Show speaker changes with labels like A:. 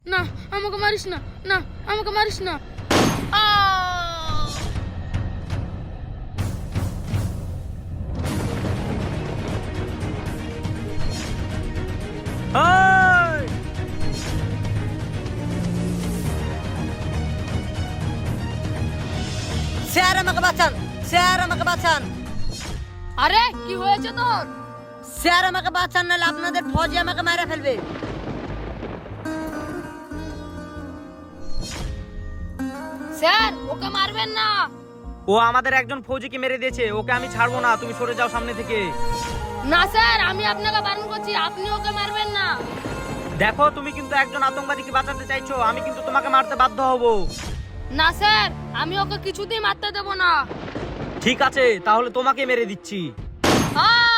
A: না, আমাকে মারিস না, না আমাকে মারিস না।
B: এই!
C: স্যার আমাকে বাঁচান, স্যার আমাকে বাঁচান,
A: আরে কি হয়েছে তোর?
C: স্যার আমাকে বাঁচান, নাহলে আপনাদের ফৌজি আমাকে মেরে ফেলবে।
A: স্যার ওকে মারবেন না।
B: ও আমাদের একজন ফৌজিকে মেরে দিয়েছে, ওকে আমি ছাড়বো না, তুমি সরে যাও সামনে থেকে।
A: না স্যার, আমি আপনাকে বারণ করছি, আপনি ওকে মারবেন না।
B: দেখো তুমি কিন্তু একজন আতঙ্কবাদীকে বাঁচাতে চাইছো, আমি কিন্তু তোমাকে মারতে বাধ্য হব।
A: না স্যার, আমি ওকে কিছুতেই মারতে দেব না।
B: ঠিক আছে, তাহলে তোমাকে মেরে দিচ্ছি।
A: আহ!